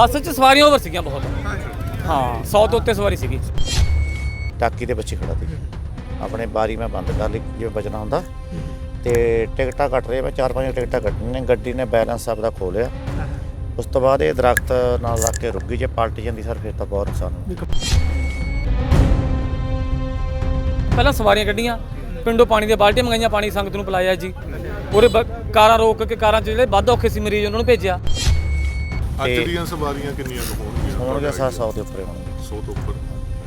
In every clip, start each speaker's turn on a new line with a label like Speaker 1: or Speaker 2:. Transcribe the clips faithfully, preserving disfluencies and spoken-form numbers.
Speaker 1: ਬੱਸ 'ਚ ਸਵਾਰੀਆਂ ਓਵਰ ਸੀਗੀਆਂ ਬਹੁਤ। ਹਾਂ ਸੌ ਤੋਂ ਉੱਤੇ ਸਵਾਰੀ ਸੀਗੀ।
Speaker 2: ਟਾਕੀ ਦੇ ਪਿੱਛੇ ਖੜਾ ਸੀ ਆਪਣੇ ਬਾਰੀ ਮੈਂ ਬੰਦ ਕਰ ਲਈ ਜਿਵੇਂ ਬਚਣਾ ਹੁੰਦਾ ਤੇ ਟਿਕਟਾਂ ਕੱਟ ਰਹੇ ਮੈਂ ਚਾਰ ਪੰਜ ਟਿਕਟਾਂ ਕੱਟਣੀਆਂ ਨੇ। ਗੱਡੀ ਨੇ ਬੈਲੈਂਸ ਆਪਦਾ ਖੋ ਲਿਆ। ਉਸ ਤੋਂ ਬਾਅਦ ਇਹ ਦਰਖਤ ਨਾਲ ਲੱਗ ਕੇ ਰੁਕ ਗਈ। ਜੇ ਪਲਟ ਜਾਂਦੀ ਸਰ ਫਿਰ ਤਾਂ ਬਹੁਤ ਨੁਕਸਾਨ ਹੋਣਾ।
Speaker 1: ਪਹਿਲਾਂ ਸਵਾਰੀਆਂ ਕੱਢੀਆਂ, ਪਿੰਡੋਂ ਪਾਣੀ ਦੀਆਂ ਬਾਲਟੀਆਂ ਮੰਗਾਈਆਂ, ਪਾਣੀ ਸੰਗਤ ਨੂੰ ਪਿਲਾਇਆ ਜੀ। ਉਹਦੇ ਕਾਰਾਂ ਰੋਕ ਕੇ ਕਾਰਾਂ 'ਚ ਜਿਹੜੇ ਵੱਧ ਔਖੇ ਸੀ ਮਰੀਜ਼ ਉਹਨਾਂ ਨੂੰ ਭੇਜਿਆ।
Speaker 3: ਅੱਜ ਦੀਆਂ ਸਵਾਰੀਆਂ ਕਿੰਨੀਆਂ ਕੁ ਹੋਣਗੀਆਂ?
Speaker 2: ਹੋਣਗੇ ਸਰ ਸੌ ਦੇ ਉੱਪਰ ਹੋਣਗੇ।
Speaker 3: ਸੌ ਤੋਂ ਉੱਪਰ।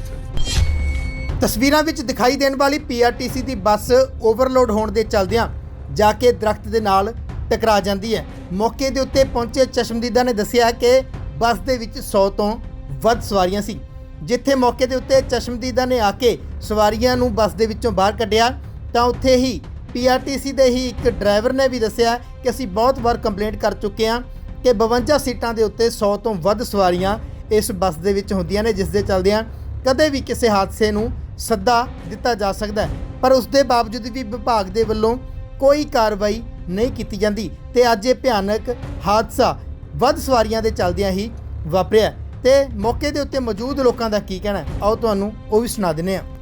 Speaker 4: ਤਸਵੀਰਾਂ ਵਿੱਚ ਦਿਖਾਈ ਦੇਣ ਵਾਲੀ ਪੀਆਰਟੀਸੀ ਦੀ ਬੱਸ ਓਵਰਲੋਡ ਹੋਣ ਦੇ ਚਲਦਿਆਂ ਜਾ ਕੇ ਦਰਖਤ ਦੇ ਨਾਲ ਟਕਰਾ ਜਾਂਦੀ ਹੈ। ਮੌਕੇ ਦੇ ਉੱਤੇ ਪਹੁੰਚੇ ਚਸ਼ਮਦੀਦਾ ਨੇ ਦੱਸਿਆ ਕਿ ਬੱਸ ਦੇ ਵਿੱਚ ਸੌ ਤੋਂ ਵੱਧ ਸਵਾਰੀਆਂ ਸੀ। ਜਿੱਥੇ ਮੌਕੇ ਦੇ ਉੱਤੇ ਚਸ਼ਮਦੀਦਾ ਨੇ ਆ ਕੇ ਸਵਾਰੀਆਂ ਨੂੰ ਬੱਸ ਦੇ ਵਿੱਚੋਂ ਬਾਹਰ ਕੱਢਿਆ ਤਾਂ ਉੱਥੇ ਹੀ ਪੀਆਰਟੀਸੀ ਦੇ ਹੀ ਇੱਕ ਡਰਾਈਵਰ ਨੇ ਵੀ ਦੱਸਿਆ ਕਿ ਅਸੀਂ ਬਹੁਤ ਵਾਰ ਕੰਪਲੇਂਟ ਕਰ ਚੁੱਕੇ ਹਾਂ ਕਿ ਬਵੰਜਾ ਸੀਟਾਂ ਦੇ ਉੱਤੇ ਸੌ ਤੋਂ ਵੱਧ ਸਵਾਰੀਆਂ ਇਸ ਬੱਸ ਦੇ ਵਿੱਚ ਹੁੰਦੀਆਂ ਨੇ, ਜਿਸ ਦੇ ਚਲਦਿਆਂ ਕਦੇ ਵੀ ਕਿਸੇ ਹਾਦਸੇ ਨੂੰ ਸੱਦਾ ਦਿੱਤਾ ਜਾ ਸਕਦਾ ਹੈ। ਪਰ ਉਸ ਦੇ ਬਾਵਜੂਦ ਵੀ ਵਿਭਾਗ ਦੇ ਵੱਲੋਂ ਕੋਈ ਕਾਰਵਾਈ ਨਹੀਂ ਕੀਤੀ ਜਾਂਦੀ ਤੇ ਅੱਜ ਇਹ ਭਿਆਨਕ ਹਾਦਸਾ ਵੱਧ ਸਵਾਰੀਆਂ ਦੇ ਚਲਦਿਆਂ ਹੀ ਵਾਪਰਿਆ ਤੇ ਮੌਕੇ ਦੇ ਉੱਤੇ ਮੌਜੂਦ ਲੋਕਾਂ ਦਾ ਕੀ ਕਹਿਣਾ ਹੈ ਆਓ ਤੁਹਾਨੂੰ ਉਹ ਵੀ ਸੁਣਾ ਦਿੰਦੇ ਹਾਂ।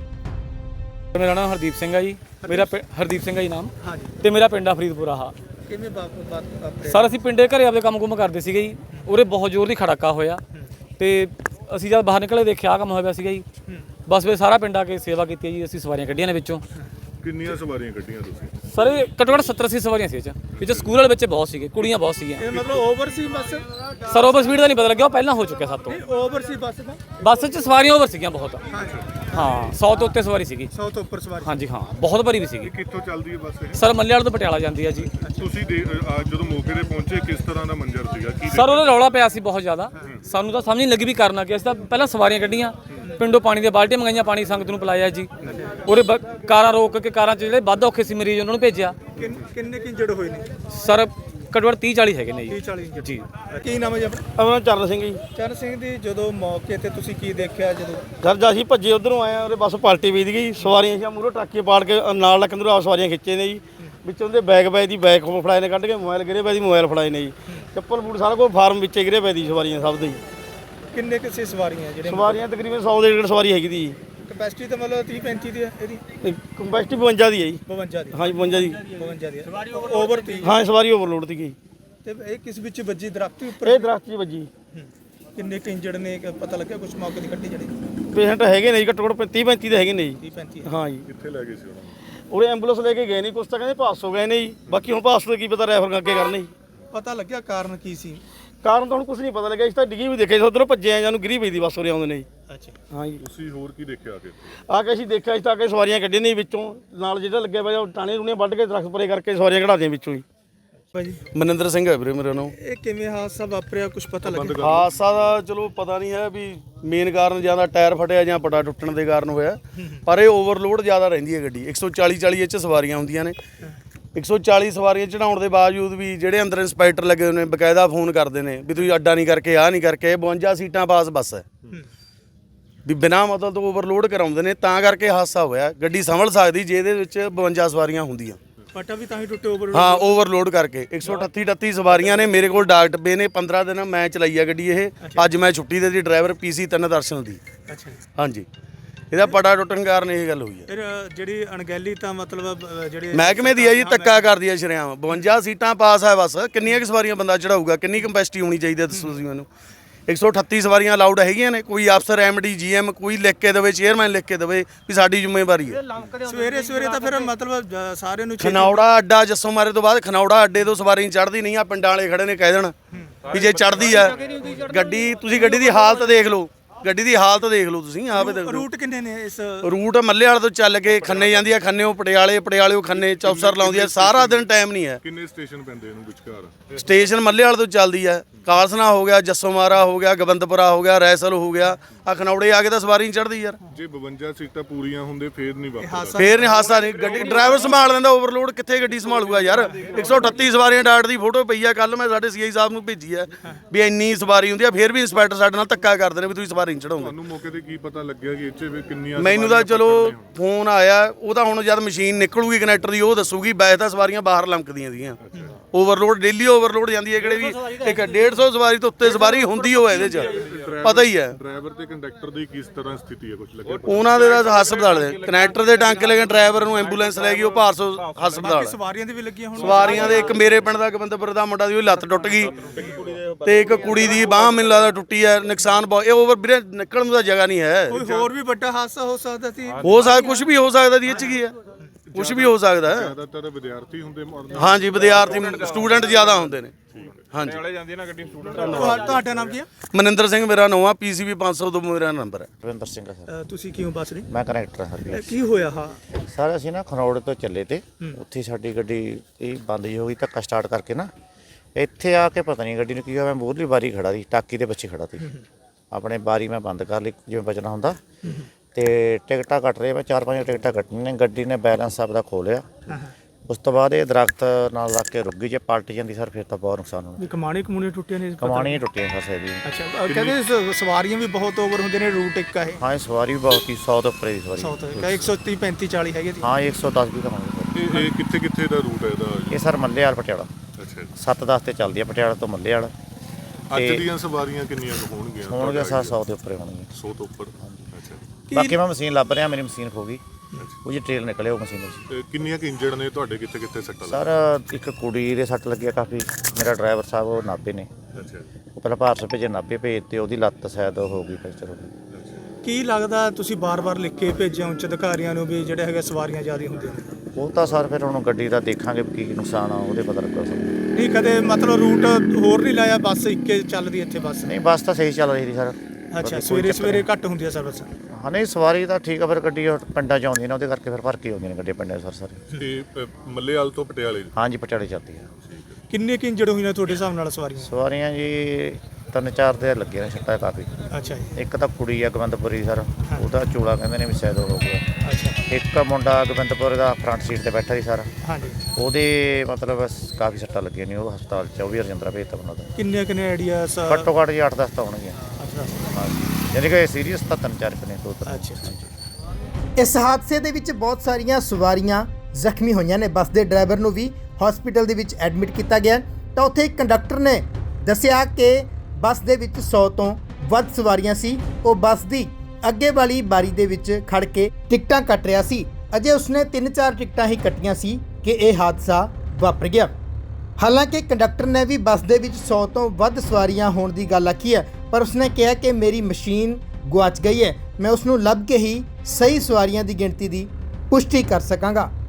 Speaker 1: ਮੇਰਾ ਨਾਮ ਹਰਦੀਪ ਸਿੰਘ ਆ ਜੀ। ਮੇਰਾ ਪਿੰ- ਹਰਦੀਪ ਸਿੰਘ ਆ ਜੀ ਨਾਮ।
Speaker 4: ਹਾਂਜੀ,
Speaker 1: ਤੇ ਮੇਰਾ ਪਿੰਡ ਆ ਫਰੀਦਪੁਰਾ। ਆ
Speaker 4: ਕਿਵੇਂ ਬਾਤ
Speaker 1: ਸਰ ਅਸੀਂ ਪਿੰਡੇ ਘਰੇ ਆਪਦੇ ਕੰਮ ਕੁਮ ਕਰਦੇ ਸੀਗੇ ਜੀ। ਉਰੇ ਬਹੁਤ ਜ਼ੋਰ ਦੀ ਖੜਾਕਾ ਹੋਇਆ ਤੇ ਅਸੀਂ ਜਦ ਬਾਹਰ ਨਿਕਲੇ ਦੇਖਿਆ ਆਹ ਕੰਮ ਹੋਇਆ ਪਿਆ ਸੀਗਾ ਜੀ। ਬਸ ਫਿਰ ਸਾਰਾ ਪਿੰਡ ਆ ਕੇ ਸੇਵਾ ਕੀਤੀ ਹੈ ਜੀ। ਅਸੀਂ ਸਵਾਰੀਆਂ ਕੱਢੀਆਂ ਨੇ ਵਿੱਚੋਂ।
Speaker 3: ਕਿੰਨੀਆਂ ਸਵਾਰੀਆਂ ਕੱਢੀਆਂ ਤੁਸੀਂ?
Speaker 1: ਸਰ ਇਹ ਘੱਟੋ ਘੱਟ ਸੱਤਰ ਅੱਸੀ ਸਵਾਰੀਆਂ ਸੀ ਇਹ 'ਚ। ਵਿੱਚ ਸਕੂਲ ਵਾਲੇ ਬੱਚੇ ਬਹੁਤ ਸੀਗੇ, ਕੁੜੀਆਂ ਬਹੁਤ ਸੀਗੀਆਂ।
Speaker 4: ਇਹ ਮਤਲਬ ਓਵਰ ਸੀ ਬੱਸ?
Speaker 1: ਸਰ ਓਵਰ ਸਪੀਡ ਦਾ ਨਹੀਂ ਪਤਾ ਲੱਗਿਆ, ਉਹ ਪਹਿਲਾਂ ਹੋ ਚੁੱਕਿਆ ਸਾਡੇ ਤੋਂ।
Speaker 4: ਓਵਰ ਸੀ ਬੱਸ ਦਾ?
Speaker 1: ਬੱਸ 'ਚ ਸਵਾਰੀਆਂ ਓਵਰ ਸੀਗੀਆਂ ਬਹੁਤ। ਹਾਂ ਸੌ ਤੋਂ ਉੱਤੇ ਸਵਾਰੀ ਸੀਗੀ।
Speaker 4: ਸੌ ਤੋਂ ਉੱਪਰ ਸਵਾਰੀ?
Speaker 1: ਹਾਂਜੀ ਹਾਂ ਬਹੁਤ ਭਰੀ ਵੀ ਸੀਗੀ।
Speaker 3: ਇਹ ਕਿੱਥੋਂ ਚੱਲਦੀ ਹੈ ਬੱਸ ਇਹ?
Speaker 1: ਸਰ ਮੱਲੇ ਵਾਲੇ ਤੋਂ ਪਟਿਆਲਾ ਜਾਂਦੀ ਆ ਜੀ।
Speaker 3: ਤੁਸੀਂ ਦੇ- ਅ, ਜਦੋਂ ਮੌਕੇ ਤੇ ਪਹੁੰਚੇ ਕਿਸ ਤਰ੍ਹਾਂ ਦਾ ਮੰਜ਼ਰ ਸੀਗਾ? ਕੀ
Speaker 1: ਸਰ ਉਹਦਾ ਰੌਲਾ ਪਿਆ ਸੀ ਬਹੁਤ ਜ਼ਿਆਦਾ। ਸਾਨੂੰ ਤਾਂ ਸਮਝ ਨਹੀਂ ਲੱਗੀ ਵੀ ਕਰਨਾ ਕੀ। ਅਸੀਂ ਤਾਂ ਪਹਿਲਾਂ ਸਵਾਰੀਆਂ ਕੱਢੀਆਂ, ਪਿੰਡੋਂ ਪਾਣੀ ਦੀਆਂ ਬਾਲਟੀਆਂ ਮੰਗਾਈਆਂ, ਪਾਣੀ ਸੰਗਤ ਨੂੰ ਪਿਲਾਇਆ ਜੀ। ਉਹਦੇ ਕਾਰਾਂ ਰੋਕ ਕੇ ਕਾਰਾਂ 'ਚ ਜਿਹੜੇ ਵੱਧ ਔਖੇ ਸੀ ਮਰੀਜ਼ ਉਹਨਾਂ ਨੂੰ ਭੇਜਿਆ।
Speaker 4: ਕਿੰਨੇ ਇੰਜਰਡ ਹੋਏ ਨੇ
Speaker 1: ਸਰ ਘੱਟੋ ਘੱਟ ਤੀਹ ਚਾਲੀ ਹੈਗੇ ਨੇ ਜੀ।
Speaker 4: ਤੀਹ ਚਾਲੀ
Speaker 1: ਜੀ।
Speaker 4: ਕੀ ਨਾਮ ਹੈ ਜੀ ਆਪਣਾ?
Speaker 5: ਆਪਣਾ ਚਰਨ ਸਿੰਘ ਜੀ।
Speaker 4: ਚਰਨ ਸਿੰਘ ਦੀ ਜਦੋਂ ਮੌਕੇ ਤੇ ਤੁਸੀਂ ਕੀ ਦੇਖਿਆ? ਜਦੋਂ
Speaker 5: ਸਰ ਜਦ ਅਸੀਂ ਭੱਜੇ ਉਧਰੋਂ ਆਏ ਆ ਉਹਦੇ ਬੱਸ ਪਲਟੀ ਵੀਦ ਗਈ। ਸਵਾਰੀਆਂ ਸੀ ਮੂਹਰੋਂ ਟਰੱਕੇ ਪਾੜ ਕੇ ਨਾਲ ਲੱਕ ਅੰਦਰੋਂ ਆਪ ਸਵਾਰੀਆਂ ਖਿੱਚੇ ਨੇ ਜੀ। ਵਿੱਚੋਂ ਦੇ ਬੈਗ ਪਏ ਦੀ ਬੈਗ ਫੜਾਏ ਨੇ, ਕੱਢ ਕੇ ਮੋਬਾਈਲ ਗਿਰੇ ਪਏ ਦੀ ਮੋਬਾਈਲ ਫੜਾਏ ਨੇ ਜੀ। ਚੱਪਲ ਬੂਟ ਸਾਰਾ ਕੁਝ ਫਾਰਮ ਵਿੱਚੇ ਗਿਰੇ ਪਏ ਦੀ ਸਵਾਰੀਆਂ ਸਭ ਦੇ ਜੀ।
Speaker 4: ਕਿੰਨੇ ਕਿਸੇ ਸਵਾਰੀਆਂ ਜਿਹੜੇ?
Speaker 5: ਸਵਾਰੀਆਂ ਤਕਰੀਬਨ ਸੌ ਦੇ ਡੇਢ ਸਵਾਰੀ ਹੈਗੀ ਦੀ ਜੀ।
Speaker 4: ਕਪੈਸਿਟੀ ਤਾਂ ਮਤਲਬ ਤੀਹ ਪੈਂਤੀ ਦੀ ਹੈ ਇਹਦੀ?
Speaker 5: ਕੰਪੈਸਟੀ ਬਵੰਜਾ ਦੀ ਹੈ ਜੀ।
Speaker 4: ਬਵੰਜਾ ਦੀ?
Speaker 5: ਹਾਂਜੀ ਬਵੰਜਾ ਦੀ।
Speaker 4: ਬਵੰਜਾ ਦੀ ਓਵਰ ਤੀ?
Speaker 5: ਹਾਂ ਸਵਾਰੀ ਓਵਰਲੋਡ ਸੀ ਗਈ।
Speaker 4: ਤੇ ਇਹ ਕਿਸ ਵਿੱਚ ਵੱਜੀ? ਦਰਖਤ ਦੇ ਉੱਪਰ?
Speaker 5: ਇਹ ਦਰਖਤ 'ਚ ਵੱਜੀ।
Speaker 4: ਕਿੰਨੇ ਕੁ ਇੰਜਰਡ ਨੇ ਪਤਾ ਲੱਗਿਆ ਕੁਝ ਮੌਕੇ ਦੀ ਕੱਟੀ ਜਿਹੜੇ?
Speaker 5: ਪੇਸ਼ੈਂਟ ਹੈਗੇ ਨੇ ਜੀ ਘੱਟੋ ਘੱਟ ਤੀਹ ਪੈਂਤੀ ਦੇ ਹੈਗੇ ਨੇ ਜੀ।
Speaker 4: ਤੀਹ ਪੈਂਤੀ?
Speaker 5: ਹਾਂ ਜੀ।
Speaker 3: ਕਿੱਥੇ ਲੈ ਗਏ ਸੀ ਉਹਨਾਂ ਨੂੰ?
Speaker 5: ਉਹਦੇ ਐਂਬੂਲੈਂਸ ਲੈ ਕੇ ਗਏ ਨਹੀਂ, ਕੁਛ ਤਾਂ ਕਹਿੰਦੇ ਪਾਸ ਹੋ ਗਏ ਨੇ ਜੀ। ਬਾਕੀ ਹੁਣ ਪਾਸ ਤੋਂ ਕੀ ਪਤਾ ਰੈਫਰ ਅੱਗੇ ਕਰਨੇ ਜੀ।
Speaker 4: ਪਤਾ ਲੱਗਿਆ ਕਾਰਨ ਕੀ ਸੀ?
Speaker 5: ਕਾਰਨ ਤਾਂ ਹੁਣ ਕੁਝ ਨਹੀਂ ਪਤਾ ਲੱਗਿਆ। ਇਸ ਤਾਂ ਡਿੱਗੀ ਵੀ ਦੇਖਿਆ, ਉਧਰੋਂ ਭੱਜੇ ਆ ਜਾਨੂੰ ਗਿਰੀ ਪਈ ਦੀ ਬੱਸ ਉਰੇ ਆਉਂਦੇ ਨੇ ਜੀ।
Speaker 4: ਅੱਛਾ
Speaker 5: ਹਾਂ ਜੀ।
Speaker 3: ਤੁਸੀਂ ਹੋਰ ਕੀ ਦੇਖਿਆ ਕਿ
Speaker 5: ਆ ਕੇ ਅਸੀਂ ਦੇਖਿਆ ਇਸ ਤਾਂ ਕਿ ਸਵਾਰੀਆਂ ਕੱਢੀਆਂ ਨਹੀਂ ਵਿੱਚੋਂ, ਨਾਲ ਜਿਹੜਾ ਲੱਗਿਆ ਪਿਆ ਉਹ ਟਾਣੇ ਰੂਣੇ ਵੱਢ ਕੇ ਦਰਖਤ ਪਰੇ ਕਰਕੇ ਸਵਾਰੀਆਂ ਕਢਾ ਦੀਆਂ ਵਿੱਚੋਂ ਹੀ।
Speaker 4: ਭਾਜੀ
Speaker 5: ਮਨਿੰਦਰ ਸਿੰਘ ਹੈ ਵੀਰੇ ਮੇਰਾ ਨਾਮ।
Speaker 4: ਇਹ ਕਿਵੇਂ ਹਾਦਸਾ ਵਾਪਰਿਆ ਕੁਝ ਪਤਾ ਲੱਗਿਆ?
Speaker 5: ਹਾਦਸਾ ਦਾ ਚਲੋ ਪਤਾ ਨਹੀਂ ਹੈ ਵੀ ਮੇਨ ਕਾਰਨ ਜ਼ਿਆਦਾ ਟਾਇਰ ਫਟਿਆ ਜਾਂ ਪਟਾ ਟੁੱਟਣ ਦੇ ਕਾਰਨ ਹੋਇਆ, ਪਰ ਇਹ ਓਵਰਲੋਡ ਜ਼ਿਆਦਾ ਰਹਿੰਦੀ ਹੈ ਗੱਡੀ। ਇੱਕ ਸੌ ਚਾਲੀ ਚਾਲੀ ਇਹ 'ਚ ਸਵਾਰੀਆਂ ਹੁੰਦੀਆਂ ਨੇ। ਇੱਕ ਸੌ ਚਾਲੀ ਸਵਾਰੀਆਂ ਚੜਾਉਣ ਦੇ ਬਾਵਜੂਦ ਵੀ ਜਿਹੜੇ ਅੰਦਰ ਇੰਸਪੈਕਟਰ ਲੱਗੇ ਹੋਏ ਨੇ ਬਕਾਇਦਾ ਫੋਨ ਕਰਦੇ ਨੇ ਵੀ ਤੁਸੀਂ ਅੱਡਾ ਨਹੀਂ ਕਰਕੇ ਆਹ ਨਹੀਂ ਕਰਕੇ। ਬਵੰਜਾ ਸੀਟਾਂ ਪਾਸ ਬੱਸ ਹੈ ਵੀ ਬਿਨਾਂ ਮਤਲਬ ਤੋਂ ਓਵਰਲੋਡ ਕਰਾਉਂਦੇ ਨੇ, ਤਾਂ ਕਰਕੇ ਹਾਦਸਾ ਹੋਇਆ। ਗੱਡੀ ਸੰਭਲ ਸਕਦੀ ਜੇ ਇਹਦੇ ਵਿੱਚ ਬਵੰਜਾ ਸਵਾਰੀਆਂ ਹੁੰਦੀਆਂ।
Speaker 4: ਪਟਾ ਵੀ ਤਾਂ ਹੀ ਟੁੱਟੇ ਓਵਰ?
Speaker 5: ਹਾਂ ਓਵਰਲੋਡ ਕਰਕੇ। ਇੱਕ ਸੌ ਅਠੱਤੀ ਅਠੱਤੀ ਸਵਾਰੀਆਂ ਨੇ। ਮੇਰੇ ਕੋਲ ਡਾਕ ਡੱਬੇ ਨੇ। ਪੰਦਰਾਂ ਦਿਨ ਮੈਂ ਚਲਾਈ ਆ ਗੱਡੀ ਇਹ। ਅੱਜ ਮੈਂ ਛੁੱਟੀ ਦੇ ਦੀ ਡਰਾਈਵਰ ਪੀਸੀ ਤਿੰਨ ਦਰਸ਼ਨ ਦੀ।
Speaker 4: ਅੱਛਾ।
Speaker 5: ਹਾਂਜੀ ਇਹਦਾ ਪਟਾ ਟੁੱਟਣ ਕਾਰਨ ਇਹ ਗੱਲ ਹੋਈ ਹੈ।
Speaker 4: ਫਿਰ ਜਿਹੜੀ ਅਣਗਹਿਲੀ ਤਾਂ ਮਤਲਬ ਜਿਹੜੇ
Speaker 5: ਮਹਿਕਮੇ ਦੀ ਹੈ ਜੀ, ਧੱਕਾ ਕਰਦੀ ਹੈ ਸ਼ਰਿਆਮ। ਬਵੰਜਾ ਸੀਟਾਂ ਪਾਸ ਹੈ ਬਸ। ਕਿੰਨੀਆਂ ਕੁ ਸਵਾਰੀਆਂ ਬੰਦਾ ਚੜਾਊਗਾ? ਕਿੰਨੀ ਕੰਪੈਸਿਟੀ ਹੋਣੀ ਚਾਹੀਦੀ ਹੈ ਦੱਸੋ ਤੁਸੀਂ ਮੈਨੂੰ। ਇੱਕ ਸੌ ਅਠੱਤੀ ਸਵਾਰੀਆਂ ਅਲਾਉਡ ਹੈਗੀਆਂ ਨੇ। ਕੋਈ ਅਫਸਰ ਐਮਡੀ ਜੀਐਮ ਕੋਈ ਲਿਖ ਕੇ ਦੇਵੇ, ਚੇਅਰਮੈਨ ਲਿਖ ਕੇ ਦੇਵੇ ਵੀ ਸਾਡੀ ਜ਼ਿੰਮੇਵਾਰੀ ਹੈ।
Speaker 4: ਸਵੇਰੇ ਸਵੇਰੇ ਤਾਂ ਫਿਰ ਮਤਲਬ ਸਾਰਿਆਂ ਨੂੰ
Speaker 5: ਖਨੌੜਾ ਅੱਡਾ ਜੱਸੋ ਮਾਰੇ ਤੋਂ ਬਾਅਦ ਖਨੌੜਾ ਅੱਡੇ ਤੋਂ ਸਵਾਰੀ ਚੜ੍ਹਦੀ ਨਹੀਂ ਆ। ਪਿੰਡਾਂ ਵਾਲੇ ਖੜੇ ਨੇ ਕਹਿ ਦੇਣ ਵੀ ਜੇ ਚੜ੍ਹਦੀ ਆ ਗੱਡੀ। ਤੁਸੀਂ ਗੱਡੀ ਦੀ ਹਾਲਤ ਦੇਖ ਲਓ, ਗੱਡੀ ਦੀ ਹਾਲਤ ਦੇਖ ਲਓ ਤੁਸੀਂ ਆਪੇ ਦੇਖ ਲਓ।
Speaker 4: ਰੂਟ ਕਿੰਨੇ ਨੇ ਇਸ?
Speaker 5: ਰੂਟ ਮੱਲੇ ਵਾਲੇ ਤੋਂ ਚੱਲ ਕੇ ਖੰਨੇ ਜਾਂਦੀ ਆ, ਖੰਨੇੋਂ ਪਟਿਆਲੇ, ਪਟਿਆਲੇੋਂ ਖੰਨੇ, ਚੌਪਸਰ ਲਾਉਂਦੀ ਆ। ਸਾਰਾ ਦਿਨ ਟਾਈਮ ਨਹੀਂ ਹੈ।
Speaker 3: ਕਿੰਨੇ ਸਟੇਸ਼ਨ ਪੈਂਦੇ ਇਹਨੂੰ ਵਿਚਕਾਰ?
Speaker 5: ਸਟੇਸ਼ਨ ਮੱਲੇ ਵਾਲੇ ਤੋਂ ਚੱਲਦੀ ਆ। ਕਾਲਸਨਾ ਹੋ ਗਿਆ, ਜੱਸੋ ਮਾਰਾ ਹੋ ਗਿਆ, ਗੋਬਿੰਦਪੁਰਾ ਹੋ ਗਿਆ, ਰੈਸਲ ਹੋ ਗਿਆ। ਆ ਖਨੌੜੇ ਆ ਕੇ ਤਾਂ ਸਵਾਰੀ ਨਹੀਂ ਚੜ੍ਹਦੀ ਯਾਰ।
Speaker 3: ਜੇ ਬਵੰਜਾ ਸੀਟਾਂ ਪੂਰੀਆਂ ਹੁੰਦੇ ਫੇਰ ਨਹੀਂ ਵਾਪਰਦਾ?
Speaker 5: ਫੇਰ ਨਹੀਂ ਹਾਸਾ ਨਹੀਂ। ਗੱਡੀ ਡਰਾਈਵਰ ਸੰਭਾਲ ਲੈਂਦਾ। ਓਵਰਲੋਡ ਕਿੱਥੇ ਗੱਡੀ ਸੰਭਾਲੂਗਾ ਯਾਰ। ਇੱਕ ਸੌ ਅਠੱਤੀ ਸਵਾਰੀਆਂ ਡਾਟ ਦੀ ਫੋਟੋ ਪਈ ਆ। ਕੱਲ ਮੈਂ ਸਾਡੇ ਸੀਆਈ ਸਾਹਿਬ ਨੂੰ ਭੇਜੀ ਆ ਵੀ ਇੰਨੀ ਸਵਾਰੀ ਹੁੰਦੀ ਆ, ਫੇਰ ਵੀ ਇੰਸਪੈਕਟਰ ਸਾਡੇ ਨਾਲ ਧੱਕਾ ਕਰਦੇ ਨੇ ਵੀ ਤੁਸੀਂ ਸਵਾਰੀ ਸਵਾਰੀ ਚੜਾਉਂਦੇ।
Speaker 3: ਤੁਹਾਨੂੰ ਮੌਕੇ ਤੇ ਕੀ ਪਤਾ ਲੱਗਿਆ ਕਿ ਇੱਥੇ ਵੀ ਕਿੰਨੀਆਂ
Speaker 5: ਮੈਨੂੰ ਤਾਂ
Speaker 3: ਸਵਾਰੀਆਂ
Speaker 5: ਚਲੋ
Speaker 3: ਪਕੜਨੇ ਹੋਣ?
Speaker 5: ਫੋਨ ਆਇਆ, ਉਹ ਤਾਂ ਹੁਣ ਜਦ ਮਸ਼ੀਨ ਨਿਕਲੂਗੀ ਕਨੈਕਟਰ ਦੀ ਉਹ ਦੱਸੂਗੀ। ਵੈਸੇ ਤਾਂ ਸਵਾਰੀਆਂ ਬਾਹਰ ਲੰਕਦੀਆਂ ਸੀਗੀਆਂ। ਓਵਰਲੋਡ ਡੇਲੀ ਓਵਰਲੋਡ ਜਾਂਦੀ ਹੈ, ਕਿਹੜੇ ਵੀ ਇੱਕ ਡੇਢ ਸੌ ਸਵਾਰੀ ਤੋਂ ਉੱਤੇ ਸਵਾਰੀ ਹੁੰਦੀ ਉਹ ਇਹਦੇ 'ਚ ਪਤਾ ਹੀ ਹੈ।
Speaker 3: ਡਰਾਈਵਰ ਤੇ ਕੰਡਕਟਰ ਦੀ ਕਿਸ ਤਰ੍ਹਾਂ ਸਥਿਤੀ ਹੈ, ਕੁਝ ਲੱਗਿਆ?
Speaker 5: ਉਹਨਾਂ ਦੇ ਤਾਂ ਹਸਪਤਾਲ ਦੇ ਕਨੈਕਟਰ ਦੇ ਟਾਂਕੇ ਲੈ ਕੇ ਡਰਾਈਵਰ ਨੂੰ ਐਂਬੂਲੈਂਸ ਲੈ ਗਈ, ਉਹ ਭਾਰਸੋ ਹਸਪਤਾਲ।
Speaker 6: ਸਵਾਰੀਆਂ ਦੀ ਵੀ ਲੱਗੀਆਂ ਹੁਣ?
Speaker 5: ਸਵਾਰੀਆਂ ਦੇ ਇੱਕ ਮੇਰੇ ਪਿੰਡ ਦਾ ਗੋਬਿੰਦਪੁਰ ਦਾ ਮੁੰਡਾ ਦੀ ਉਹ ਲੱਤ ਟੁੱਟ ਗਈ ਤੇ ਇੱਕ ਕੁੜੀ ਦੀ ਬਾਹ ਮੈਨੂੰ ਲੱਗਦਾ ਟੁੱਟੀ ਹੈ। ਨੁਕਸਾਨ ਬਹੁਤ, ਇਹ ਓਵਰ ਵੀਰੇ ਨਿਕਲਣ ਨੂੰ ਤਾਂ ਜਗ੍ਹਾ ਨਹੀਂ ਹੈ।
Speaker 6: ਕੋਈ ਹੋਰ ਵੀ ਵੱਡਾ ਹਾਦਸਾ ਹੋ ਸਕਦਾ ਸੀ?
Speaker 5: ਹੋ ਸਕਦਾ, ਕੁਝ ਵੀ ਹੋ ਸਕਦਾ ਦੀ ਇਹ 'ਚ ਕੀ ਹੈ, ਕੁਝ ਵੀ ਹੋ ਸਕਦਾ ਹੈ।
Speaker 3: ਜ਼ਿਆਦਾਤਰ ਵਿਦਿਆਰਥੀ ਹੁੰਦੇ ਮਰਨ?
Speaker 5: ਹਾਂਜੀ, ਵਿਦਿਆਰਥੀ ਸਟੂਡੈਂਟ ਜ਼ਿਆਦਾ ਹੁੰਦੇ ਨੇ। ਹਾਂਜੀ,
Speaker 6: ਤੁਹਾ- ਤੁਹਾਡਾ ਨਾਮ ਕੀ ਹੈ?
Speaker 5: ਮਨਿੰਦਰ ਸਿੰਘ ਮੇਰਾ ਨਾਮ ਆ, ਪੀਸੀਬੀ ਪੰਜ ਸੌ ਦੋ ਮੇਰਾ ਨੰਬਰ ਹੈ।
Speaker 2: ਰਵਿੰਦਰ ਸਿੰਘ ਆ ਸਰ,
Speaker 6: ਅ, ਤੁਸੀਂ ਕਿਉਂ ਬੱਸ ਰਹੇ?
Speaker 2: ਮੈਂ ਕਨੈਕਟਰ ਹਾਂ ਸਰ।
Speaker 6: ਅ, ਕੀ ਹੋਇਆ? ਹਾਂ,
Speaker 2: ਸਰ ਅਸੀਂ ਨਾ ਖਰੋੜ ਤੋਂ ਚੱਲੇ ਤੇ ਉੱਥੇ ਸਾਡੀ ਗੱਡੀ ਇਹ ਬੰਦ ਜਿਹੀ ਹੋ ਗਈ, ਧੱਕਾ ਸਟਾਰਟ ਕਰਕੇ ਨਾ ਇੱਥੇ ਆ ਕੇ ਪਤਾ ਨਹੀਂ ਗੱਡੀ ਨੂੰ ਕੀ ਹੋਇਆ। ਮੈਂ ਮੂਹਰਲੀ ਬਾਰੀ ਖੜਾ ਸੀ, ਟਾਕੀ ਦੇ ਪਿੱਛੇ ਖੜਾ ਸੀ। ਆਪਣੇ ਬਾਰੀ ਮੈਂ ਬੰਦ ਕਰ ਲਈ ਜਿਵੇਂ ਬਚਣਾ ਹੁੰਦਾ, ਤੇ ਟਿਕਟਾਂ ਕੱਟ ਰਹੇ ਮੈਂ ਚਾਰ ਪੰਜ ਟਿਕਟਾਂ ਕੱਟਣੀਆਂ ਨੇ। ਗੱਡੀ ਨੇ ਬੈਲੈਂਸ ਆਪਦਾ ਖੋ ਲਿਆ। ਉਸ ਤੋਂ ਬਾਅਦ ਇਹ ਦਰਖਤ ਨਾਲ ਲੱਗ ਕੇ ਰੁਕ ਗਈ। ਜੇ ਪਲਟ ਜਾਂਦੀ ਸਰ ਫਿਰ ਤਾਂ ਬਹੁਤ ਨੁਕਸਾਨ ਹੋਣਾ।
Speaker 6: ਵੀ ਕਮਾਣੀ ਕਮੂਣੇ ਟੁੱਟੇ ਨੇ? ਪਤਾ-
Speaker 2: ਕਮਾਣੀਆਂ ਟੁੱਟੀਆਂ ਫਸੇ ਦੀ।
Speaker 6: ਅੱਛਾ, ਅ, ਕਹਿੰਦੇ ਸ- ਸਵਾਰੀਆਂ ਵੀ ਬਹੁਤ ਓਵਰ ਹੁੰਦੇ ਨੇ, ਰੂਟ ਇੱਕ ਆ ਇਹ
Speaker 2: ਹਾਂ ਇਹ ਸਵਾਰੀ ਵੀ ਬਹੁਤ ਹੀ ਸੌ ਤੋਂ ਉੱਪਰ ਦੀ ਸਵਾਰੀ।
Speaker 6: ਸਾਊਥ ਦਾ ਇੱਕ ਸੌ ਤੀਹ ਪੈਂਤੀ ਚਾਲੀ ਹੈਗੇ ਸੀ।
Speaker 2: ਹਾਂ ਇੱਕ ਸੌ ਦਸ ਵੀ ਕਮਾਂਗੇ
Speaker 3: ਇਹ ਇਹ ਕਿੱਥੇ ਕਿੱਥੇ ਦਾ ਰੂਟ ਹੈ ਇਹਦਾ?
Speaker 2: ਇਹ ਸਰ ਮੱਲੇ ਵਾਲ ਪਟਿਆਲਾ
Speaker 3: ਅੱਛਾ ਜੀ।
Speaker 2: ਸੱਤ ਦਸ ਤੇ ਚੱਲਦੀ ਹੈ, ਪਟਿਆਲਾ ਤੋਂ ਮੱਲੇ ਵਾਲ।
Speaker 3: ਅੱਜ ਦੀਆਂ ਸਵਾਰੀਆਂ ਕਿੰਨੀਆਂ ਕੁ ਹੋਣਗੀਆਂ?
Speaker 2: ਹੋਣਗੇ ਸਰ ਸੌ ਦੇ ਉੱਪਰ ਹੋਣਗੇ।
Speaker 3: ਸੌ ਤੋਂ ਉੱਪਰ? ਅੱਛਾ।
Speaker 2: ਬਾਕੀ ਮੈਂ ਮਸ਼ੀਨ ਲੱਭ ਰਿਹਾ, ਮੇਰੀ ਮਸ਼ੀਨ ਖੋ ਗਈ। ਉਹ ਜੀ ਟ੍ਰੇਲ ਨਿਕਲੇ ਉਹ ਮਸ਼ੀਨ ਵਿੱਚ।
Speaker 3: ਤੇ ਕਿੰਨੀਆਂ ਕਿ ਇੰਜਰਡ ਨੇ ਤੁਹਾਡੇ? ਕਿੱਥੇ ਕਿੱਥੇ ਸੱਟਾਂ
Speaker 2: ਸਰ ਇੱਕ ਕੁੜੀ ਦੇ ਸੱਟ ਲੱਗਿਆ ਕਾਫੀ। ਮੇਰਾ ਡਰਾਈਵਰ ਸਾਹਿਬ ਉਹ ਨਾਭੇ ਨੇ,
Speaker 3: ਲੱਗੀਆਂ? ਅੱਛਾ ਜੀ।
Speaker 2: ਉਹ ਪਹਿਲਾਂ ਭਾਰਤ ਭੇਜੇ, ਨਾਭੇ ਭੇਜ ਤੇ ਉਹਦੀ ਲੱਤ ਸ਼ਾਇਦ ਹੋ ਗਈ ਫ੍ਰੈਕਚਰ ਹੋ ਗਈ।
Speaker 6: ਕੀ ਲੱਗਦਾ ਤੁਸੀਂ ਬਾਰ-ਬਾਰ ਲਿਖ ਕੇ ਭੇਜਿਆ ਉੱਚ ਅਧਿਕਾਰੀਆਂ ਨੂੰ ਵੀ ਜਿਹੜੇ ਹੈਗੇ ਸਵਾਰੀਆਂ ਜ਼ਿਆਦਾ ਹੁੰਦੀਆਂ ਨੇ?
Speaker 2: ਉਹ ਤਾਂ ਸਰ ਫਿਰ ਹੁਣ ਗੱਡੀ ਦਾ ਦੇਖਾਂਗੇ ਕੀ ਨੁਕਸਾਨ ਆ, ਉਹਦੇ ਪਤਾ ਲੱਗਾ ਸਾਨੂੰ।
Speaker 6: ਨਹੀਂ, ਕਦੇ ਮਤਲਬ ਰੂਟ ਹੋਰ ਨਹੀਂ ਲਾਇਆ? ਬੱਸ ਇੱਕੇ ਚੱਲਦੀ ਇੱਥੇ ਬੱਸ?
Speaker 2: ਨਹੀਂ ਬੱਸ ਤਾਂ ਸਹੀ ਚੱਲ ਰਹੀ ਸੀ ਸਰ।
Speaker 6: ਅੱਛਾ, ਸਵੇਰੇ ਸਵੇਰੇ ਘੱਟ ਹੁੰਦੀ ਹੈ ਸਰਵਿਸ?
Speaker 2: ਹਾਂ ਨਹੀਂ ਸਵਾਰੀ ਤਾਂ ਠੀਕ ਆ, ਫਿਰ ਗੱਡੀ ਉਹ ਪਿੰਡਾਂ 'ਚ ਆਉਂਦੀਆਂ ਨੇ, ਉਹਦੇ ਕਰਕੇ ਫਿਰ ਭਰ ਕੇ ਆਉਂਦੀਆਂ ਨੇ ਗੱਡੀਆਂ ਪਿੰਡਾਂ 'ਚ ਸਰ ਸਾਰੇ।
Speaker 3: ਤੇ ਅ, ਮੱਲੇਵਾਲ ਤੋਂ ਪਟਿਆਲੇ?
Speaker 2: ਹਾਂਜੀ ਪਟਿਆਲੇ ਚੱਲਦੀ ਆ।
Speaker 6: ਕਿੰਨੇ ਕਿ ਇੰਜਰਡ ਹੋਈਆਂ ਤੁਹਾਡੇ ਹਿਸਾਬ ਨਾਲ ਸਵਾਰੀਆਂ?
Speaker 2: ਸਵਾਰੀਆਂ ਜੀ ਤਿੰਨ ਚਾਰ ਦੇ ਲੱਗੇ ਨੇ ਛੱਟਾ ਕਾਫੀ।
Speaker 6: ਅੱਛਾ ਜੀ,
Speaker 2: ਇੱਕ ਤਾਂ ਕੁੜੀ ਆ ਗੋਬਿੰਦਪੁਰੀ ਸਰ, ਉਹਦਾ ਚੋਲਾ ਕਹਿੰਦੇ ਨੇ ਵੀ ਸ਼ਾਇਦ ਉਹ ਹੋ ਗਿਆ।
Speaker 6: ਅੱਛਾ,
Speaker 2: ਇੱਕ ਮੁੰਡਾ ਗੋਬਿੰਦਪੁਰ ਦਾ ਫਰੰਟ ਸੀਟ ਤੇ ਬੈਠਾ ਸੀ ਸਰ,
Speaker 6: ਹਾਂਜੀ।
Speaker 2: ਉਹਦੇ ਮਤਲਬ ਕਾਫੀ ਸੱਟਾਂ ਲੱਗੀਆਂ ਨੇ। ਉਹ ਹਸਪਤਾਲ ਚ ਉਹ ਵੀ ਰਜਿੰਦਰਾ ਭੇਜਤਾ ਉਹਨਾਂ ਦਾ।
Speaker 6: ਕਿੰਨੇ ਕਿੰਨੇ ਆਈਡੀਆ?
Speaker 2: ਘੱਟੋ ਘੱਟ ਜੀ ਅੱਠ ਦਸ ਤਾਂ ਹੋਣਗੀਆਂ। ਹਾਂਜੀ, ਯਾਨੀ ਕਿ ਸੀਰੀਅਸ ਤਾਂ ਤਿੰਨ ਚਾਰ ਕੁ ਨੇ ਦੋ ਤਿੰਨ।
Speaker 6: ਅੱਛਾ ਅੱਛਾ।
Speaker 4: ਇਸ ਹਾਦਸੇ ਦੇ ਵਿੱਚ ਬਹੁਤ ਸਾਰੀਆਂ ਸਵਾਰੀਆਂ ਜ਼ਖਮੀ ਹੋਈਆਂ ਨੇ। ਬੱਸ ਦੇ ਡਰਾਈਵਰ ਨੂੰ ਵੀ ਹਸਪੀਟਲ ਦੇ ਵਿੱਚ ਐਡਮਿਟ ਕੀਤਾ ਗਿਆ। ਤਾਂ ਉੱਥੇ ਇੱਕ ਕੰਡਕਟਰ ਨੇ ਦੱਸਿਆ ਕਿ ਬੱਸ ਦੇ ਵਿੱਚ ਸੌ ਤੋਂ ਵੱਧ ਸਵਾਰੀਆਂ ਸੀ। ਉਹ ਬੱਸ ਦੀ ਅੱਗੇ ਵਾਲੀ ਬਾਰੀ ਦੇ ਵਿੱਚ ਖੜ ਕੇ ਟਿਕਟਾਂ ਕੱਟ ਰਿਹਾ ਸੀ। ਅਜੇ ਉਸਨੇ ਤਿੰਨ ਚਾਰ ਟਿਕਟਾਂ ਹੀ ਕੱਟੀਆਂ ਸੀ ਕਿ ਇਹ ਹਾਦਸਾ ਵਾਪਰ ਗਿਆ। ਹਾਲਾਂਕਿ ਕੰਡਕਟਰ ਨੇ ਵੀ ਬੱਸ ਦੇ ਵਿੱਚ ਸੌ ਤੋਂ ਵੱਧ ਸਵਾਰੀਆਂ ਹੋਣ ਦੀ ਗੱਲ ਆਖੀ ਹੈ, ਪਰ ਉਸਨੇ ਕਿਹਾ ਕਿ ਮੇਰੀ ਮਸ਼ੀਨ ਗੁਆਚ ਗਈ ਹੈ, ਮੈਂ ਉਸ ਨੂੰ ਲੱਭ ਕੇ ਹੀ ਸਹੀ ਸਵਾਰੀਆਂ ਦੀ ਗਿਣਤੀ ਦੀ ਪੁਸ਼ਟੀ ਕਰ ਸਕਾਂਗਾ।